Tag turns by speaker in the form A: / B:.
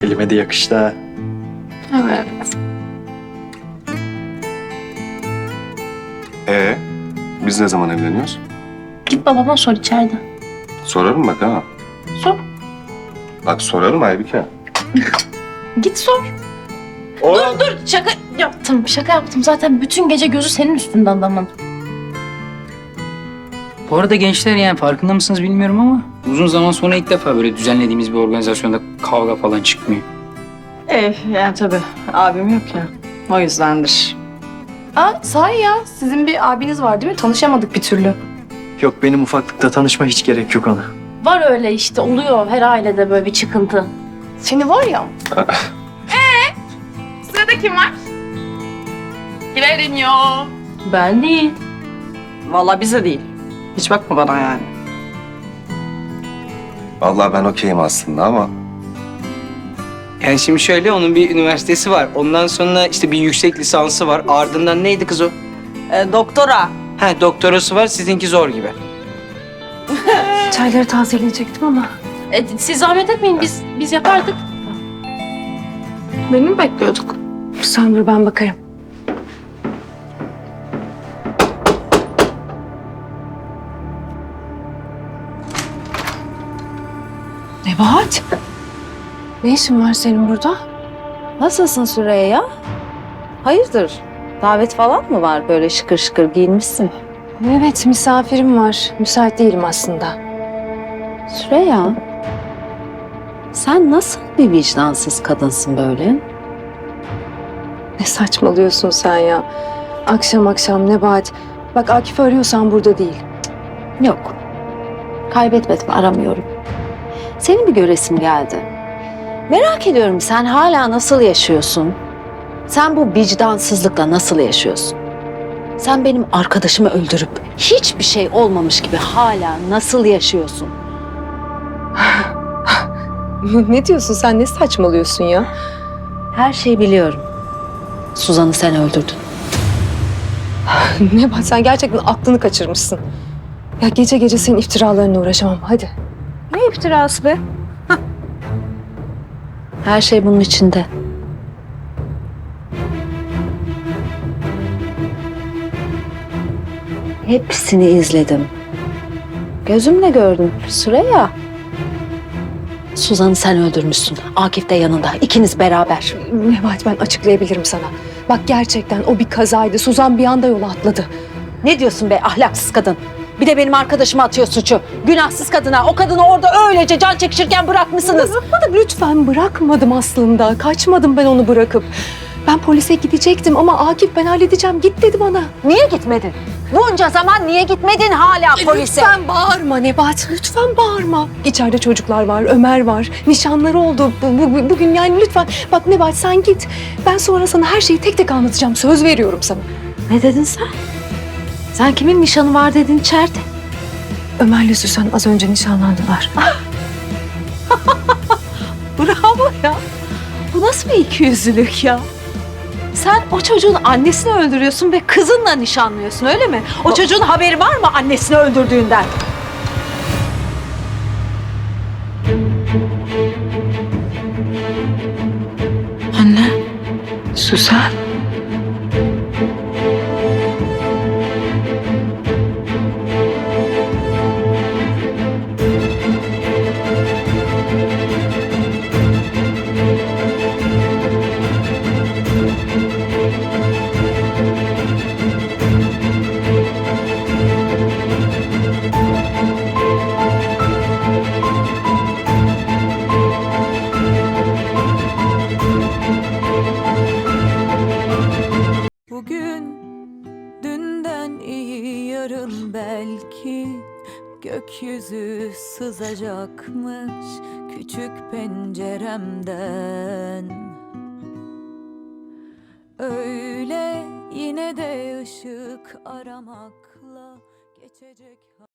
A: Elime de yakıştı ha.
B: Evet.
C: Biz ne zaman evleniyoruz?
B: Git babama sor içeride.
C: Sorarım bak ha.
B: Sor.
C: Bak sorarım Aybike.
B: Git sor. Dur şaka yaptım. Şaka yaptım. Zaten bütün gece gözü senin üstünde adamın.
D: Bu arada gençler yani farkında mısınız bilmiyorum ama uzun zaman sonra ilk defa böyle düzenlediğimiz bir organizasyonda kavga falan çıkmıyor.
E: Yani tabii abim yok ya. O yüzdendir.
B: Aa sahi ya. Sizin bir abiniz var değil mi? Tanışamadık bir türlü.
A: Yok benim ufaklıkta tanışma hiç gerek yok ona.
B: Var öyle işte. Oluyor her ailede böyle bir çıkıntı. Seni var ya.
F: Sırada kim var? Kim evleniyor?
B: Ben değil.
E: Vallahi bize değil. Hiç bakma bana yani.
C: Vallahi ben okeyim aslında ama
D: Yani şimdi şöyle onun bir üniversitesi var. Ondan sonra işte bir yüksek lisansı var. Ardından neydi kız o?
E: Doktora.
D: Ha doktorası var. Sizinki zor gibi.
B: Çayları tazeleyecektim ama. Siz zahmet etmeyin. Biz yapardık.
F: Beni mi bekliyorduk?
B: Sen dur ben bakarım. Nebahat. Ne işin var senin burada?
G: Nasılsın Süreyya? Hayırdır? Davet falan mı var? Böyle şıkır şıkır giyinmişsin.
B: Evet misafirim var. Müsait değilim aslında.
G: Süreyya, sen nasıl bir vicdansız kadınsın böyle?
B: Ne saçmalıyorsun sen ya? Akşam akşam Nebahat. Bak Akif'i arıyorsan burada değil.
G: Yok, kaybetmedim, aramıyorum. Seni bir göresim geldi. Merak ediyorum, sen hala nasıl yaşıyorsun? Sen bu vicdansızlıkla nasıl yaşıyorsun? Sen benim arkadaşımı öldürüp hiçbir şey olmamış gibi hala nasıl yaşıyorsun?
B: Ne diyorsun sen? Ne saçmalıyorsun ya?
G: Her şeyi biliyorum. Suzan'ı sen öldürdün.
B: Nebahat sen gerçekten aklını kaçırmışsın. Ya gece gece senin iftiralarına uğraşamam. Hadi.
G: Ne iftirası be? Her şey bunun içinde. Hepsini izledim. Gözümle gördüm Süreyya. Suzan'ı sen öldürmüşsün. Akif de yanında. İkiniz beraber.
B: Nebahat ben açıklayabilirim sana. Bak gerçekten o bir kazaydı. Suzan bir anda yola atladı.
G: Ne diyorsun be ahlaksız kadın? Bir de benim arkadaşıma atıyor suçu. Günahsız kadına. O kadını orada öylece can çekişirken bırakmışsınız.
B: Bırakmadım lütfen bırakmadım aslında. Kaçmadım ben onu bırakıp. Ben polise gidecektim ama Akif ben halledeceğim git dedi bana.
G: Niye gitmedin? Bunca zaman niye gitmedin hala polise?
B: Lütfen bağırma Nebahat, lütfen bağırma. İçeride çocuklar var, Ömer var. Nişanları oldu bugün yani lütfen. Bak Nebahat sen git. Ben sonra sana her şeyi tek tek anlatacağım. Söz veriyorum sana.
G: Ne dedin sen? Sen kimin nişanı var dedin içeride?
B: Ömer'le Süsen az önce nişanlandılar.
G: Bravo ya. Bu nasıl bir ikiyüzlülük ya? Sen o çocuğun annesini öldürüyorsun ve kızınla nişanlıyorsun öyle mi? O çocuğun haberi var mı annesini öldürdüğünden?
B: Anne, Süsen.
H: Bugün dünden iyi yarın belki gökyüzü sızacakmış küçük penceremden. Öyle yine de ışık aramakla geçecek.